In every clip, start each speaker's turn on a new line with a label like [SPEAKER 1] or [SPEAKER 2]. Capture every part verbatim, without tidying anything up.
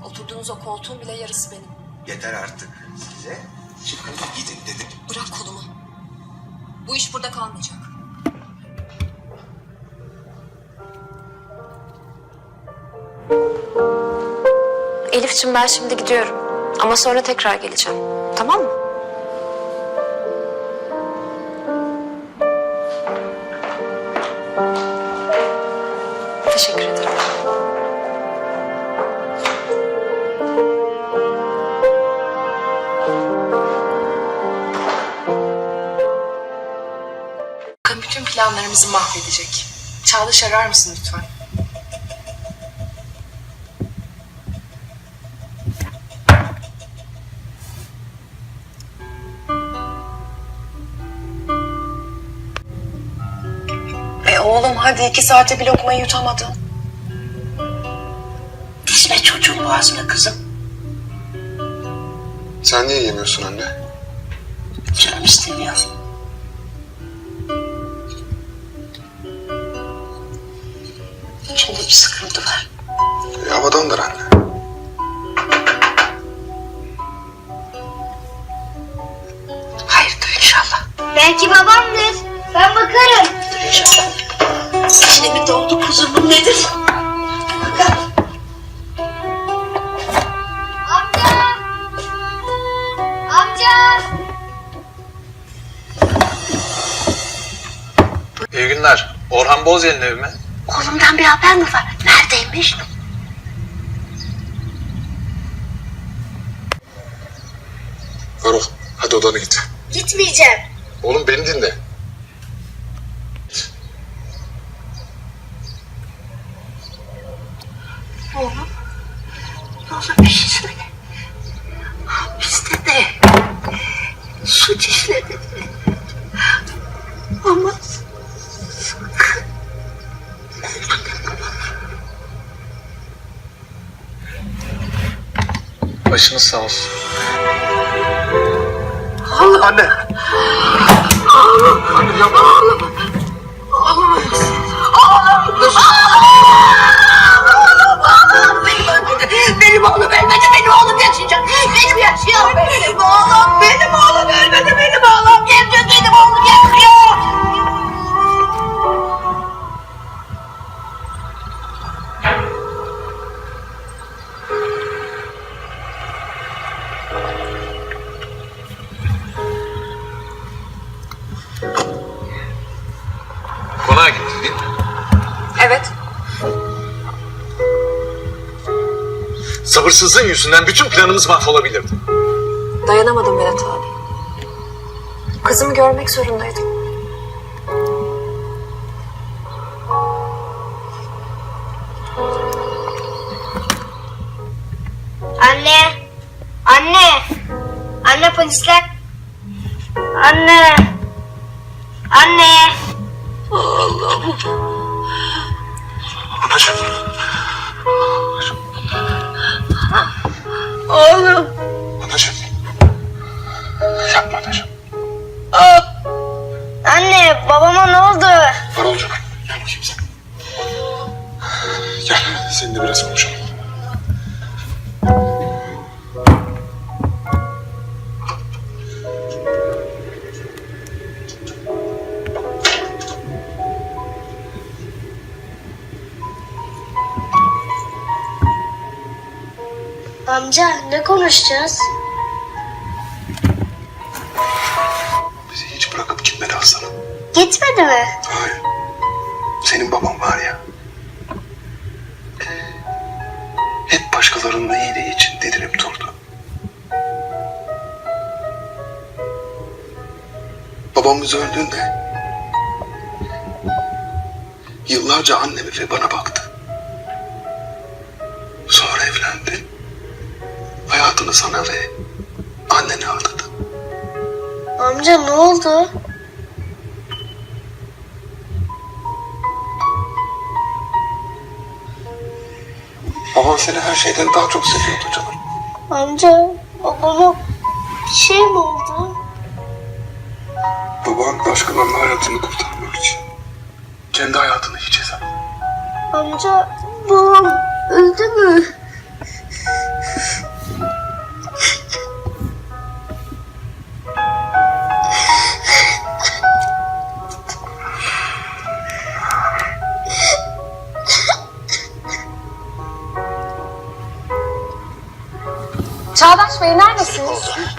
[SPEAKER 1] Oturduğunuz o koltuğun bile yarısı benim.
[SPEAKER 2] Yeter artık size. Çıkın gidin dedim.
[SPEAKER 1] Bırak kolumu. Bu iş burada kalmayacak.
[SPEAKER 3] Elif'ciğim ben şimdi gidiyorum. Ama sonra tekrar geleceğim. Tamam mı? Teşekkür ederim.
[SPEAKER 4] Bakın bütün planlarımızı mahvedecek. Çağdaş arar mısın lütfen?
[SPEAKER 5] E oğlum hadi iki saate bir lokmayı yutamadın. Dizme çocuğun boğazına kızım.
[SPEAKER 6] Sen niye yemiyorsun anne?
[SPEAKER 5] Canım istemiyor. İçinde bir sıkıntı var.
[SPEAKER 6] E, havadandır anne.
[SPEAKER 5] Hayırdır inşallah.
[SPEAKER 7] Belki babamdır. Ben bakarım.
[SPEAKER 5] İnşallah. İçine mi doldu kuzumun nedir? Bakalım.
[SPEAKER 7] Amca! Amca!
[SPEAKER 8] İyi günler. Orhan Bozyel'in evi mi?
[SPEAKER 5] Oğlumdan bir haber mi var? Neredeymiş?
[SPEAKER 6] Varol hadi odana git.
[SPEAKER 7] Gitmeyeceğim.
[SPEAKER 6] Oğlum beni dinle.
[SPEAKER 5] Oğlum. Oğlum bir şey söyle. Hapiste de suç işledi. Ama sakın.
[SPEAKER 8] Başınız sağ olsun.
[SPEAKER 5] Oğlum.
[SPEAKER 6] Anne.
[SPEAKER 5] Oğlum. Oğlum. Oğlum. Oğlum. Oğlum. Oğlum. Benim öldürdü. Benim oğlum ölmedi. Benim oğlum yaşayacak. Benim yaşıyor. Benim oğlum. Benim oğlum ölmedi. Benim oğlum yaşıyor. Benim oğlum yaşıyor.
[SPEAKER 8] Konağa gittin değil mi?
[SPEAKER 1] Evet.
[SPEAKER 8] Sabırsızlığın yüzünden bütün planımız mahvolabilirdi.
[SPEAKER 1] Dayanamadım Vedat abi. Kızımı görmek zorundaydım.
[SPEAKER 7] Anne! Anne! Anne polisler! Anne! Anne!
[SPEAKER 6] Anacığım.
[SPEAKER 5] Oğlum.
[SPEAKER 6] Anacığım. Yapma anacığım.
[SPEAKER 7] Anne babama ne oldu?
[SPEAKER 6] Varolcuğum gel bakayım sen. Gel seninle biraz konuşalım.
[SPEAKER 7] Amca ne konuşacağız?
[SPEAKER 6] Bizi hiç bırakıp gitmedi aslanım.
[SPEAKER 7] Gitmedi mi?
[SPEAKER 6] Hayır. Senin baban var ya. Hep başkalarının iyiliği için didinip durdu. Babamız öldüğünde yıllarca anneme ve bana baktı. Sonra evlendi. Hayatını sana ve annene adadı.
[SPEAKER 7] Amca ne oldu?
[SPEAKER 6] Baban seni her şeyden daha çok seviyordu canım.
[SPEAKER 7] Amca babama bir şey mi oldu?
[SPEAKER 6] Baban başkalarının hayatını kurtarmak için kendi hayatını hiçe sattı.
[SPEAKER 7] Amca babam öldü mü?
[SPEAKER 3] Çağdaş Bey neredesiniz?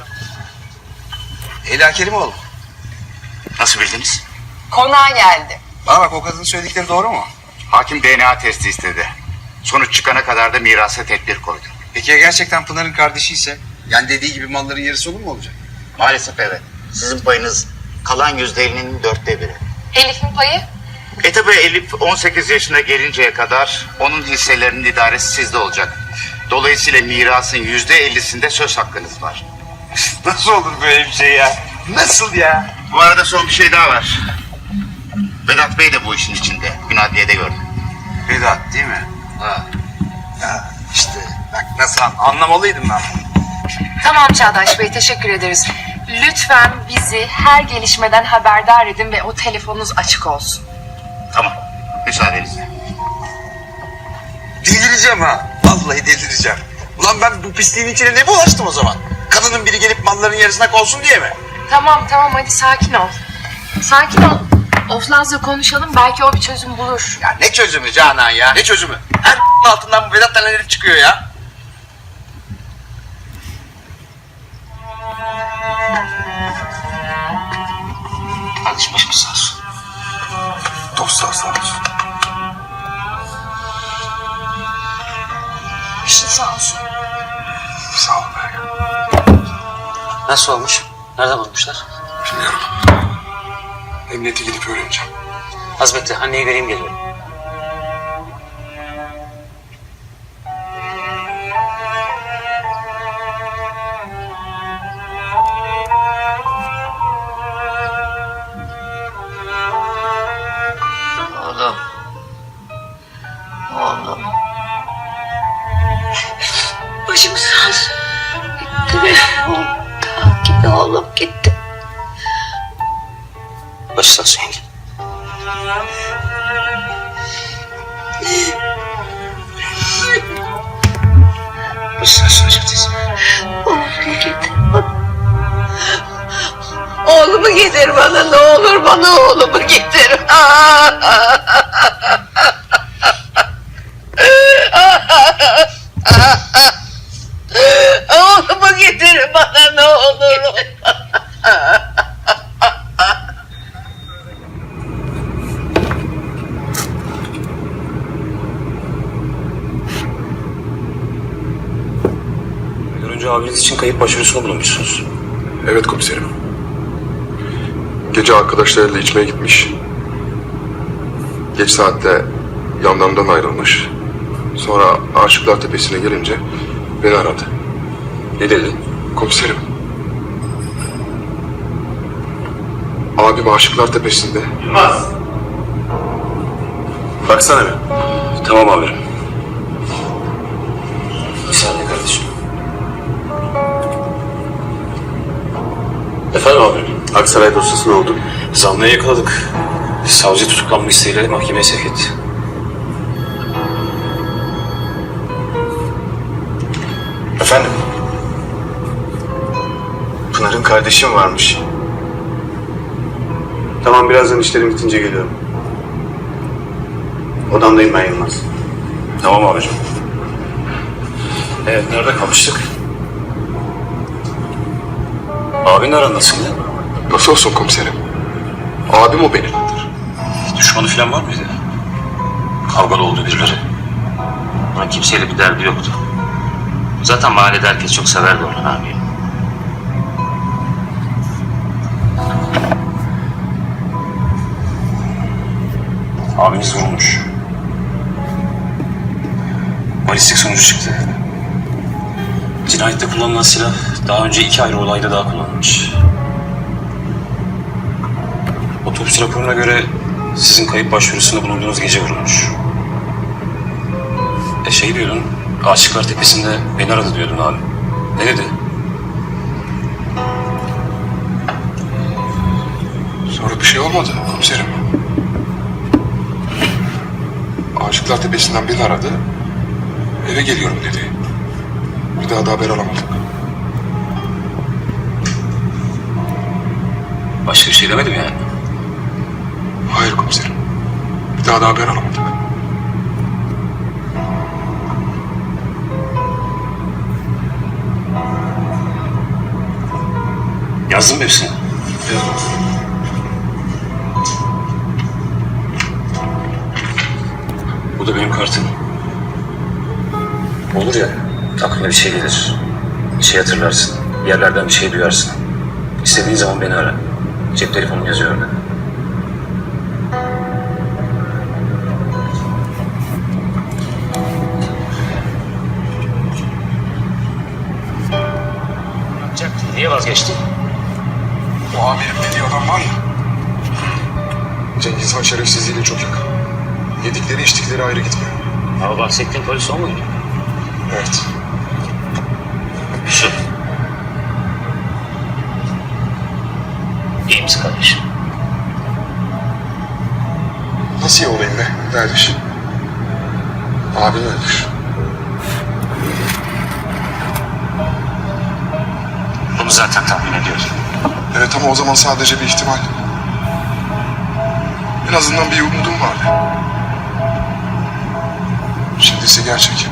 [SPEAKER 2] Leyla Kerimoğlu. Nasıl bildiniz?
[SPEAKER 4] Konağa geldi.
[SPEAKER 2] Bana bak, o kadının söyledikleri doğru mu?
[SPEAKER 9] Hakim D N A testi istedi. Sonuç çıkana kadar da mirasa tedbir koydu.
[SPEAKER 2] Peki ya gerçekten Pınar'ın kardeşi ise? Yani dediği gibi malların yarısı olur mu olacak?
[SPEAKER 9] Maalesef evet. Sizin payınız kalan yüzde ellinin dörtte biri.
[SPEAKER 4] Elif'in payı?
[SPEAKER 9] E tabi Elif on sekiz yaşına gelinceye kadar onun hisselerinin idaresi sizde olacak. Dolayısıyla mirasın yüzde ellisinde söz hakkınız var.
[SPEAKER 2] Nasıl olur böyle bir şey ya? Nasıl ya?
[SPEAKER 9] Bu arada son bir şey daha var. Vedat Bey de bu işin içinde. Gün adliyede gördüm.
[SPEAKER 2] Vedat değil mi? Ha. Ya işte bak nasıl an- anlamalıydım ben.
[SPEAKER 4] Tamam Çağdaş Bey, teşekkür ederiz. Lütfen bizi her gelişmeden haberdar edin ve o telefonunuz açık olsun.
[SPEAKER 9] Tamam. Müsaadenizle.
[SPEAKER 2] Delireceğim ha. Vallahi delireceğim. Ulan ben bu pisliğin içine ne bulaştım o zaman? Kadının biri gelip malların yarısına konsun diye mi?
[SPEAKER 4] Tamam tamam, hadi sakin ol. Sakin ol. Oflaz'la konuşalım, belki o bir çözüm bulur.
[SPEAKER 2] Ya ne çözümü Canan ya? Ne çözümü? Her altından bu Vedat denen herif çıkıyor ya.
[SPEAKER 9] Kardeşim başımız sağ olsun.
[SPEAKER 6] Dostlar sağ olsun.
[SPEAKER 1] İşin sağ olsun.
[SPEAKER 6] Sağ ol be.
[SPEAKER 10] Nasıl olmuş? Nereden bulmuşlar?
[SPEAKER 6] Bilmiyorum. Emniyete gidip öğreneceğim.
[SPEAKER 10] Hazmetli, anneyi vereyim geliyorum.
[SPEAKER 5] Oğlum. Oğlum. Başım sağ olsun. Gitti benim oğlum. Gitti oğlum gitti.
[SPEAKER 10] Başı sağ olsun yenge. Başı sağ olsun hocam teyze.
[SPEAKER 5] Oğlumu getir bana. Oğlumu getir bana, ne olur bana oğlumu getir. Oğlumu getir bana ne olur.
[SPEAKER 10] Önce abiniz için kayıp başvurusunda bulunmuşsunuz.
[SPEAKER 6] Evet komiserim. Gece arkadaşlarıyla içmeye gitmiş. Geç saatte yanlarından ayrılmış. Sonra Aşıklar Tepesi'ne gelince beni aradı.
[SPEAKER 10] Ne dedi?
[SPEAKER 6] Komiserim. Abim Aşıklar Tepesi'nde.
[SPEAKER 10] Baksana bir. Tamam amirim. Bir saniye kardeşim. Efendim amirim?
[SPEAKER 6] Aksaray dosyası ne oldu?
[SPEAKER 10] Zanlıyı yakaladık. Savcı tutuklanma isteğiyle mahkemeye sevk etti.
[SPEAKER 6] Efendim? Pınar'ın kardeşim varmış.
[SPEAKER 11] Tamam, birazdan işlerim bitince geliyorum. Odamdayım ben Yılmaz.
[SPEAKER 10] Tamam abicim. Evet, nerede kalmıştık? Abinin aran nasıl ya?
[SPEAKER 6] Nasıl olsun komiserim? Abim o benim.
[SPEAKER 10] Düşmanı falan var mıydı? Kavgalı oldu birileri.
[SPEAKER 12] Onun kimseyle bir derdi yoktu. Zaten mahallede herkes çok severdi Orhan abiyi.
[SPEAKER 10] Abiniz vurulmuş. Balistik sonucu çıktı. Cinayette kullanılan silah daha önce iki ayrı olayda daha kullanılmış. Otopsi raporuna göre sizin kayıp başvurusunda bulunduğunuz gece vurulmuş. E şey diyordun, Aşıklar Tepesi'nde beni aradı diyordun abi. Ne dedi?
[SPEAKER 6] Sonra bir şey olmadı komiserim. Aşıklar Tepesi'nden beni aradı. Eve geliyorum dedi. Bir daha da haber alamadık.
[SPEAKER 10] Başka bir şey demedim yani.
[SPEAKER 6] Hayır komiserim. Bir daha da haber alamadık.
[SPEAKER 10] Yazdın mı hepsini? Bu da benim kartım. Olur ya, aklına bir şey gelir. Bir şey hatırlarsın. Bir yerlerden bir şey duyarsın. İstediğin zaman beni ara. Cep telefonum yazıyor orada. Niye vazgeçtin?
[SPEAKER 6] O amirim dediği adam var ya. Cengiz Han şerefsizliğiyle çok yakın. Yedikleri içtikleri ayrı gitmiyor.
[SPEAKER 10] Ama bahsettiğin polis o muydu?
[SPEAKER 6] Evet.
[SPEAKER 10] Yusuf. İyi misin kardeşim?
[SPEAKER 6] Nasıl iyi olayım be kardeşim? Abim ölmüş.
[SPEAKER 10] Bunu zaten tahmin ediyordum.
[SPEAKER 6] Evet ama o zaman sadece bir ihtimal. En azından bir umudum vardı. Şimdi ise gerçek.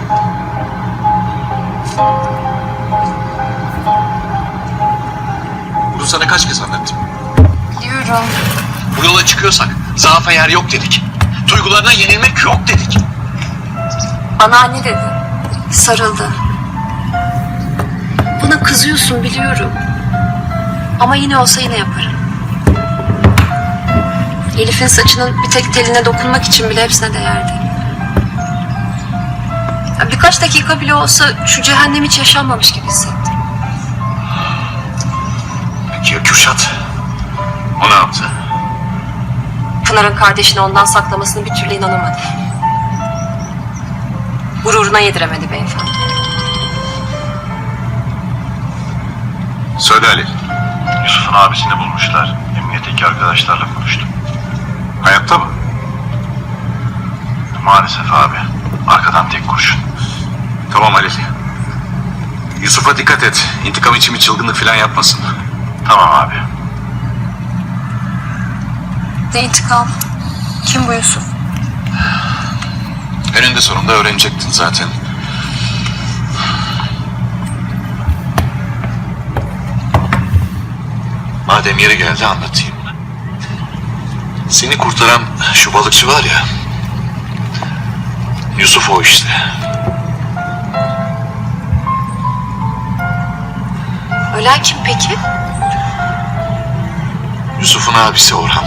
[SPEAKER 8] Bunu sana kaç kez anlattım?
[SPEAKER 4] Biliyorum.
[SPEAKER 8] Bu yola çıkıyorsak zaafa yer yok dedik. Duygularına yenilmek yok dedik.
[SPEAKER 1] Bana anne dedi. Sarıldı. Buna kızıyorsun biliyorum. Ama yine olsa yine yaparım. Elif'in saçının bir tek teline dokunmak için bile hepsine değerdi. Ya birkaç dakika bile olsa şu cehennem hiç yaşanmamış gibi hissettim.
[SPEAKER 8] Peki ya Kürşat? O ne yaptı?
[SPEAKER 1] Pınar'ın kardeşini ondan saklamasını bir türlü inanamadı. Gururuna yediremedi beyefendi.
[SPEAKER 8] Söyle Ali.
[SPEAKER 13] Yusuf'un abisini bulmuşlar. Emniyetteki arkadaşlarla konuştum.
[SPEAKER 8] Hayatta mı?
[SPEAKER 13] Maalesef abi. Arkadan tek kurşun.
[SPEAKER 8] Tamam Ali. Yusuf'a dikkat et. İntikam için bir çılgınlık falan yapmasın.
[SPEAKER 13] Tamam abi.
[SPEAKER 1] Ne intikam? Kim bu Yusuf?
[SPEAKER 8] Eninde sonunda öğrenecektin zaten. Madem yeri geldi anlatayım. Seni kurtaran şu balıkçı var ya. Yusuf o işte.
[SPEAKER 1] Ölen kim peki?
[SPEAKER 8] Yusuf'un abisi Orhan.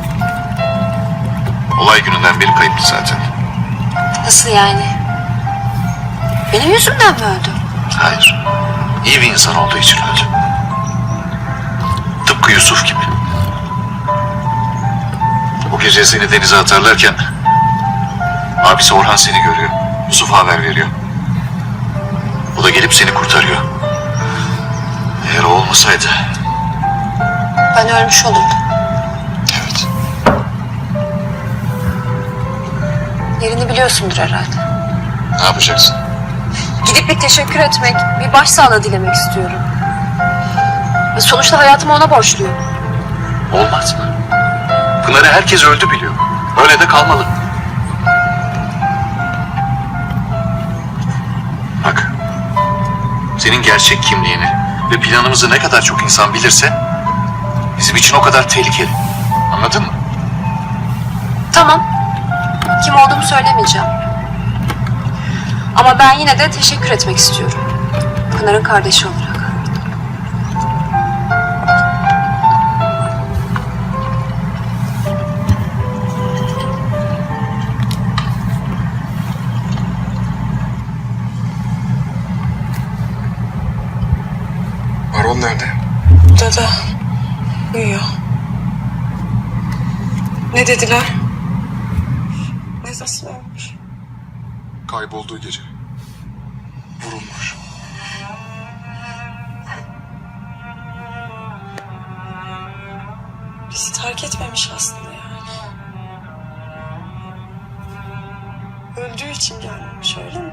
[SPEAKER 8] Olay gününden beri kayıptı zaten.
[SPEAKER 1] Nasıl yani? Benim yüzümden mi öldü?
[SPEAKER 8] Hayır. İyi bir insan olduğu için öldü. Tıpkı Yusuf gibi. O gece seni denize atarlarken abisi Orhan seni görüyor. Yusuf'a haber veriyor. O da gelip seni kurtarıyor. Eğer o olmasaydı...
[SPEAKER 1] Ben ölmüş olurdum.
[SPEAKER 8] Evet.
[SPEAKER 1] Yerini biliyorsundur herhalde.
[SPEAKER 8] Ne yapacaksın?
[SPEAKER 1] Gidip bir teşekkür etmek, bir başsağlığı dilemek istiyorum. Sonuçta hayatımı ona borçluyum.
[SPEAKER 8] Olmaz mı? Pınar'ı herkes öldü biliyor. Öyle de kalmalı. Bak, senin gerçek kimliğini ve planımızı ne kadar çok insan bilirse bizim için o kadar tehlikeli. Anladın mı?
[SPEAKER 1] Tamam. Kim olduğumu söylemeyeceğim. Ama ben yine de teşekkür etmek istiyorum. Pınar'ın kardeşi olarak.
[SPEAKER 6] Baron nerede?
[SPEAKER 14] Dada uyuyor. Ne dediler? Nasıl olmuş?
[SPEAKER 6] Kaybolduğu gece. Vurulmuş.
[SPEAKER 14] Bizi terk etmemiş aslında yani. Öldüğü için gelmemiş öyle mi?